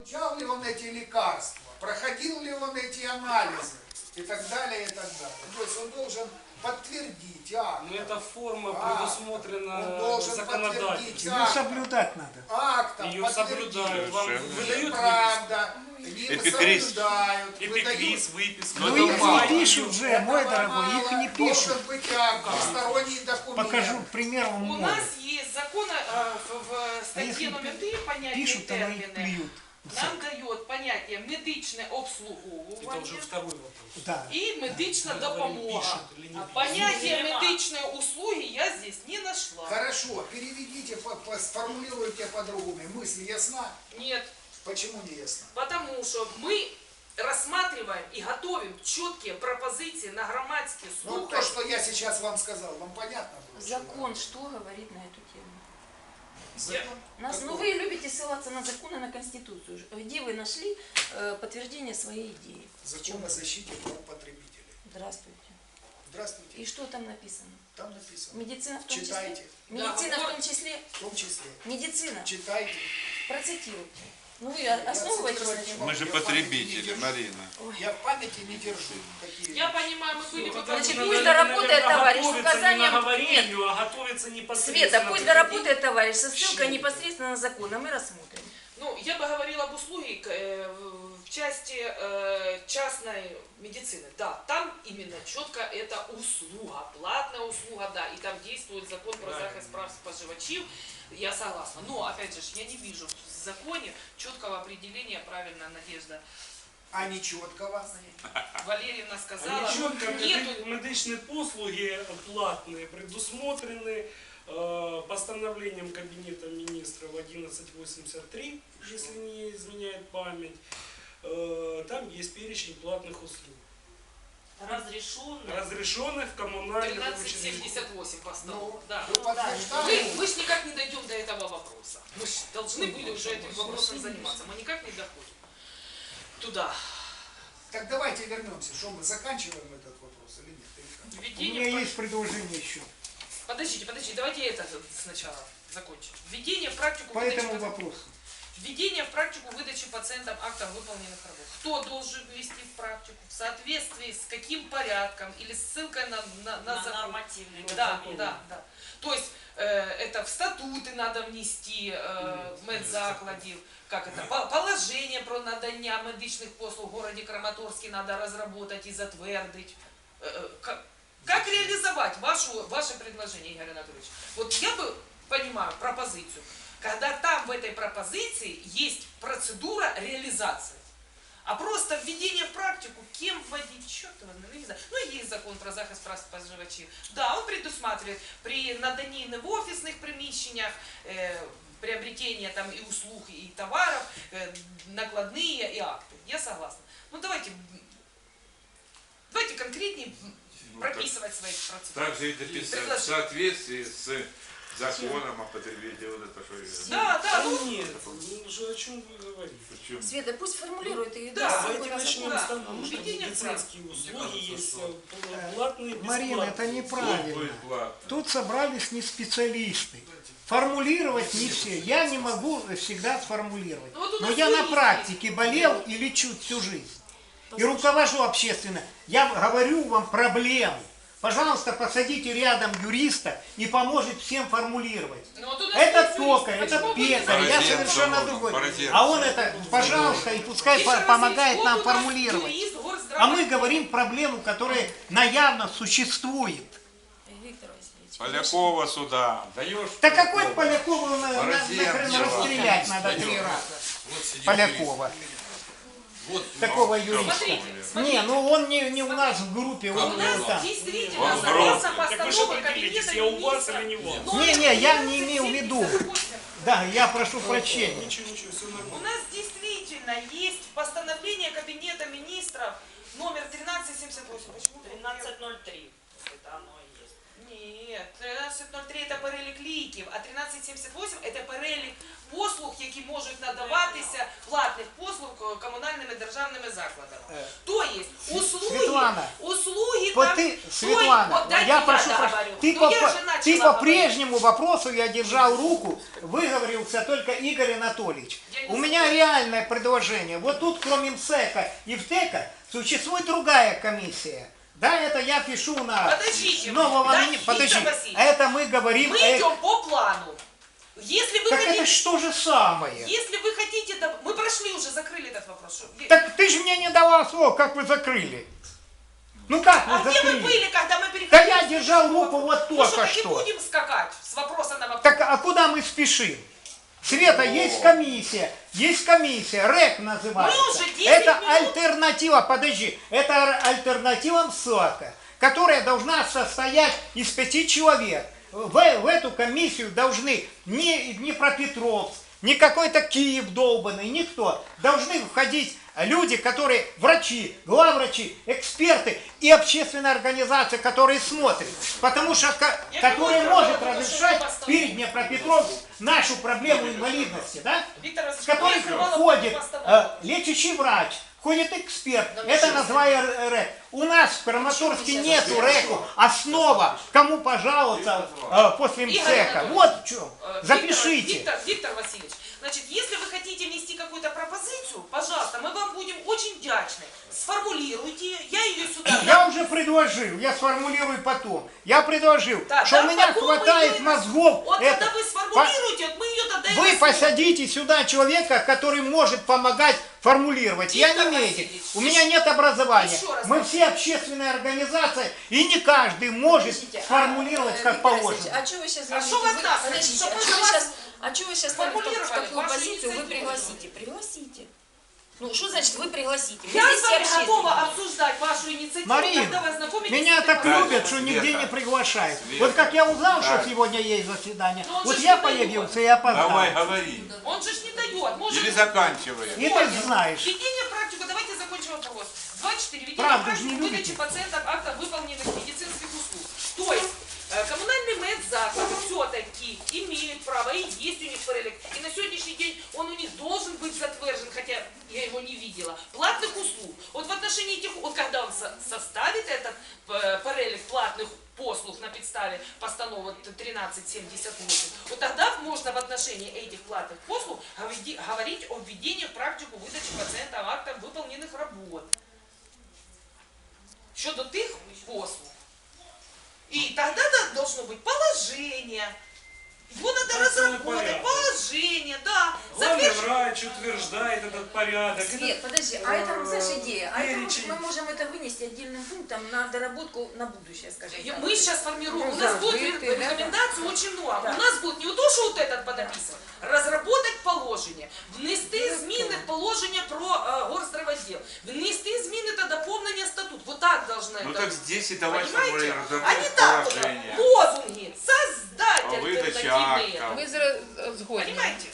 Получал ли он эти лекарства, проходил ли он эти анализы и так далее, и так далее. То есть он должен подтвердить акт. Но эта форма предусмотрена Он должен законодательством. подтвердить Ее соблюдать надо. Актом Ее соблюдают. Вам выдают неправда, не соблюдают. эпикриз, выписку. Ну их не пишут же, мой дорогой, их не пишут. Должен быть акт, посторонний документ. Покажу, к примеру, У может. нас есть закон в статье номер 3 понятие Пишут, а на их термины. плюют. Нам дает понятие медичне Это уже обслуговування второй вопрос. Да. и медична допомога. Пишут или не пишут. Понятие медичной услуги я здесь не нашла. Хорошо, переведите, сформулируйте по-другому. Мысль ясна? Нет, Почему не ясна? потому что мы рассматриваем и готовим четкие пропозиции на громадские Ну, слухи. то, что я сейчас вам сказал, вам понятно было? Закон что говорит на эту тему? Закон? Ну вы любите ссылаться на законы, на Конституцию. Где вы нашли подтверждение своей идеи? Закон о защите прав потребителей. Здравствуйте. Здравствуйте. И что там написано? Там написано. Медицина в том Читайте. числе? Медицина в том числе? В том числе. Медицина. Читайте. Процитируйте. Ну вы основываетесь на чем? Мы же потребители, Марина. Я в памяти не держу. Какие Я понимаю, мы были бы Значит, Надо, пусть доработает товарищ с готовиться не указанием... на говорению, а готовиться непосредственно. Света, пусть доработает товарищ со ссылкой непосредственно на закон, а мы рассмотрим. Ну, я бы говорила об услуге в части частной медицины. Да, там именно четко это услуга, платная услуга, да, и там действует закон про захист прав споживачів. Я согласна. Но, опять же, я не вижу в законе четкого определения, правильно, Надежда А не четкого. Валерьевна сказала, Чітко нету... медичні послуги платные предусмотрены постановлением Кабинета министров 1183, если не изменяет память. Там есть перечень платных услуг, разрешенных в коммунальных учреждениях. 1378 постановок, да. Вы подтверждаете? Мы ж никак не дойдем до этого вопроса. Мы ж должны были уже этим вопросом заниматься. Мы никак не доходим туда. Так давайте вернемся. Что мы заканчиваем этот вопрос или нет? Или как? У Введение меня есть предложение еще Подождите, давайте это сначала закончим. Введение в практику по этому выдачи... вопросу. Введение в практику выдачи пациентам актов выполненных работ. Кто должен ввести в практику? В соответствии с каким порядком или ссылкой на закон? Нормативный. Да. То есть это в статуты надо внести медзакладів, как это, положение про надання медичних послуг в городе Краматорске надо разработать и затвердить. Как реализовать ваше предложение, Игорь Анатольевич? Вот я бы понимаю пропозицию, когда там в этой пропозиции есть процедура реализации. А просто введение в практику, кем вводить, черт его знает, не знаю. Ну, есть закон про захист прав споживачів. Да, он предусматривает при надании в офисных приміщеннях, приобретение там и услуг, и товаров, накладные и акты. Я согласна. Ну, давайте конкретнее прописывать свои процедуры. Также и дописать в соответствии с законом о потребителе. Вот это что Да, ну, Нет, о чем вы говорите? Причем Света, пусть формулирует и Да, даст Давайте ссылку на начнем закон. с того, что Введение в медицинские услуги есть платные, бесплатные. Марина, это будет неправильно. платно. Тут собрались не специалисты. Формулировать не все. Я не могу всегда сформулировать. Ну, вот у Но нас я на юристы практике болел и лечу всю жизнь. И руковожу общественно. Я говорю вам проблему. Пожалуйста, посадите рядом юриста и поможет всем формулировать. ну, вот у нас Это есть токарь, юрист, это почему вы не пекарь, я Бороденко совершенно можно, другой. Бороденко. А он это, пожалуйста, и пускай Еще раз помогает говорю, нам вот у нас формулировать. юрист, А мы говорим проблему, которая наявно существует. Виктор Васильевич. Полякова сюда. Даешь? Да какой Полякова Бороденко. расстрелять надо 3 раза? Полякова. Такого юриста. Смотрите. Не, ну он не у нас в группе, У он нас там. действительно Он согласно Так вы же постанове определитесь, Кабинета я у вас министров. или не у вас? номер Не, я не имею в виду. 1178. Да, я прошу прощения. Ничего, все У нормально. нас действительно есть постановление Кабинета министров номер 1378. Почему? 1303. Это оно и есть. Ні, 13.03 це перелік ліків, а 13.78 це перелік послуг, які можуть надаватися, платних послуг комунальними державними закладами. То есть Светлана, услуги Вот там... ты, Светлана, я прошу прощения, ты по прежнему вопросу я держал руку, выговорился только Игорь Анатольевич. У меня реальное предложение. Вот тут, кроме МСЭКа и ВТЭКа, существует другая комиссия. Да, это я пишу на Подождите, нового да, министра. Подожди, Виктор Васильевич, это мы говорим... Мы идем по плану. Если вы Так это хотите... что же самое? Если вы хотите... Мы прошли уже, закрыли этот вопрос. Так ты же мне не давал слова, как вы закрыли. Ну как вы А где закрыли? вы были, когда мы переходили? Да я держал руку вот Ну только что, не что. будем скакать с вопроса на вопрос. Так а куда мы спешим? Света, есть комиссия, РЭК называется. Мы уже 10 это минут- альтернатива, подожди, это альтернатива МСАКа, которая должна состоять из 5 человек. В эту комиссию должны не Днепропетровск, не какой-то Киев долбанный, никто. Должны входить люди, которые врачи, главврачи, эксперты и общественная организация, которые смотрят. Потому что, которая может разрешать перед Днепропетровск нашу проблему инвалидности, да? Виктор В Васильевич, которой я мало входит поставила. лечащий врач, входит эксперт. Это название РЭК. У нас в Краматорске нету РЭКу. Основа, кому пожаловаться после Игорь МСЭКа. Анатольевич, Вот в чем. Запишите. Виктор Васильевич, значит, если вы хотите внести какую-то пропозицию, пожалуйста, мы вам будем очень вдячны. Сформулируйте ее, я ее сюда... Я уже предложил, я сформулирую потом. Я предложил, Да, что да, у меня потом мы хватает ее- мозгов. Вот это. когда вы сформулируете, вот мы ее тогда и Вы возьмем. посадите сюда человека, который может помогать формулировать. Я Виктор не медик, Васильевич, у меня нет образования. еще раз Мы говорю. все общественная организация, и не каждый может сформулировать как Виктор Васильевич, положено. а что вы сейчас А что вы от нас хотите? Подождите, Чтобы а мы что за вы вас сейчас... А что вы сейчас сформулировали в какую вашу позицию вы инициативу? пригласите? Пригласите. Ну, что значит вы пригласите? Мы Я здесь с все вами готова общественники. обсуждать вашу инициативу, Марина, когда вы ознакомитесь меня с так этой любят, Света. что нигде не приглашают. Света. Вот как я узнал, что Так. сегодня есть заседание, Но он вот же я не дает. появился и опоздал. Давай, говори. Он же ж не дает. Может, Или заканчивай. И ты знаешь. Введение практику, давайте закончим вопрос. 2.4. Введение Правда, практику не выдачи любите. пациентам акта выполненных медицинских услуг. То есть, коммунальные медзаклади все-таки имеют право, и есть у них перелик, и на сегодняшний день он у них должен быть затвержен, хотя я его не видела, платных услуг. Вот в отношении этих, вот когда он составит этот перелик платных послуг на підставі постанови 1378, вот тогда можно в отношении этих платных послуг говорить о введении в практику выдачи пациентам актов выполненных работ. Щодо тих послуг. И тогда должно быть положение. Его надо Там целый разработать, порядок. положение, да. Главный Затвердить. врач утверждает этот порядок. Свет, подожди, а это, знаешь, идея. А это перечень. мы можем это вынести отдельным пунктом на доработку на будущее, скажем так. Мы сейчас формируем, Ну, у нас да, будет закрытые, да, рекомендаций очень много. Да. У нас будет не то, что вот этот подописан, разработать положення, внести зміни в положення про горздравотдел, внести зміни та доповнення статут. Вот так должно Ну это так быть. здесь и давай Понимаете? формулировать А не так вот, положение. лозунги, создать О выдаче альтернативные. актов. Вы згодні. Понимаете?